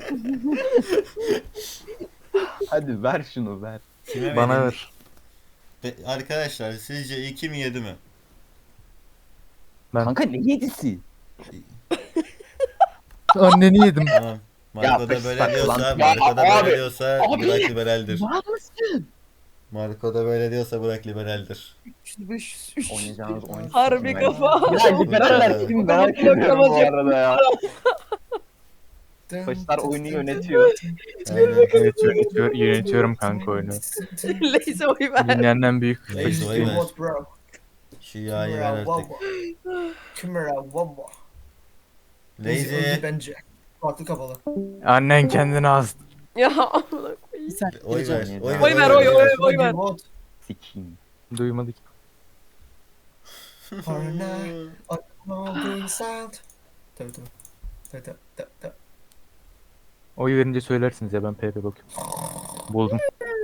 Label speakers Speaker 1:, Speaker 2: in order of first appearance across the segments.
Speaker 1: Hadi ver şunu ver.
Speaker 2: Kime
Speaker 3: Bana
Speaker 2: vereyim?
Speaker 3: ver.
Speaker 2: Arkadaşlar sizce 2 mi 7 mi?
Speaker 3: Ben
Speaker 1: Kanka ne yedisi?
Speaker 3: anneni yedim.
Speaker 2: Tamam. Marco da
Speaker 1: fışsak
Speaker 2: böyle
Speaker 1: lan.
Speaker 2: diyorsa,
Speaker 1: Ya
Speaker 2: Marco da
Speaker 1: abi,
Speaker 2: böyle diyorsa
Speaker 1: abi.
Speaker 2: Burak liberaldir.
Speaker 1: Var mısın?
Speaker 2: Marco da böyle diyorsa Burak liberaldir.
Speaker 4: 500.
Speaker 1: Oynayacağınız oyun.
Speaker 4: Harbi
Speaker 1: Ben-
Speaker 4: kafa.
Speaker 1: Ya liberaller kim merak ediyorum bu arada ya. Başlar oyunu yönetiyor.
Speaker 2: Aynen.
Speaker 3: Yönetiyorum kanka oyunu.
Speaker 4: Lazy oy ver.
Speaker 3: Dünyanın en büyük
Speaker 2: Neyse,
Speaker 3: faşist
Speaker 2: oy ver.
Speaker 3: oyunu.
Speaker 5: What bro?
Speaker 2: Şu yağı ver artık.
Speaker 5: Kimura Wabba.
Speaker 2: Lazy.
Speaker 5: Öldü bence. Farklı kafalı.
Speaker 3: Annen kendini astı.
Speaker 4: Ya amına koyayım.
Speaker 2: Oy ver.
Speaker 1: Oy
Speaker 4: Oy ver, oy ver.
Speaker 5: What?
Speaker 1: Sikiyim.
Speaker 3: Duymadık.
Speaker 5: Parana. All being sound. Tabii. Tabii.
Speaker 3: Oy verince söylersiniz ya, ben PP bakıyorum. Buldum.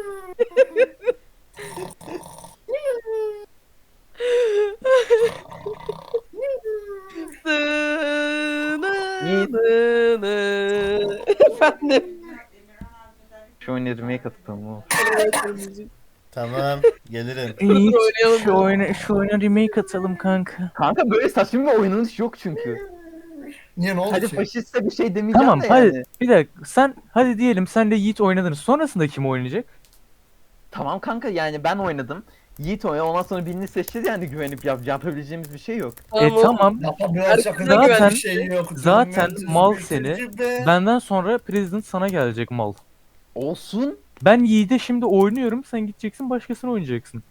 Speaker 4: Efendim.
Speaker 1: Şu oyunu remake atalım mı?
Speaker 2: Tamam, gelirim.
Speaker 3: Yiğit, şu oyuna remake atalım kanka.
Speaker 1: Kanka böyle saçma bir oynanış yok çünkü.
Speaker 5: Niye ne oldu
Speaker 1: Hadi
Speaker 5: ki?
Speaker 1: faşiste bir şey demeyeceğim
Speaker 3: Tamam
Speaker 1: de
Speaker 3: hadi
Speaker 1: yani.
Speaker 3: bir dakika, sen hadi diyelim senle Yiğit oynadınız. Sonrasında kim oynayacak?
Speaker 1: Tamam kanka yani ben oynadım. Yiğit oynadı ondan sonra birini seçeceğiz yani güvenip yapabileceğimiz bir şey yok.
Speaker 3: Tamam.
Speaker 5: Yapamıyoruz, yakında
Speaker 3: Zaten-
Speaker 5: güven bir şey yok.
Speaker 3: zaten
Speaker 5: Bilmem,
Speaker 3: mal
Speaker 5: tecrübe,
Speaker 3: seni.
Speaker 5: tecrübe.
Speaker 3: Benden sonra President sana gelecek mal.
Speaker 1: Olsun.
Speaker 3: Ben Yiğit'e şimdi oynuyorum, sen gideceksin başkasını oynayacaksın.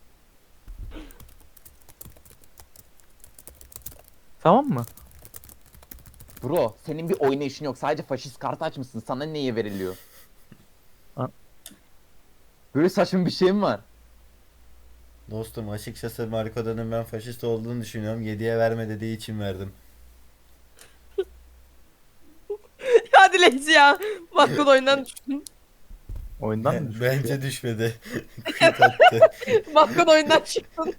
Speaker 3: Tamam mı?
Speaker 1: Bro senin bir oynayışın yok. Sadece faşist kart açmışsın. Sana neye veriliyor?
Speaker 3: Ha.
Speaker 1: Böyle saçma bir şey mi var?
Speaker 2: Dostum açıkçası Marco'danın ben faşist olduğunu düşünüyorum. 7'ye verme dediği için verdim.
Speaker 4: Hadi Lazy ya. Bakkın oyundan düştün.
Speaker 3: Oyundan mı?
Speaker 2: Bence düşmedi. Quit attı.
Speaker 4: Bakkın oyundan çıktın.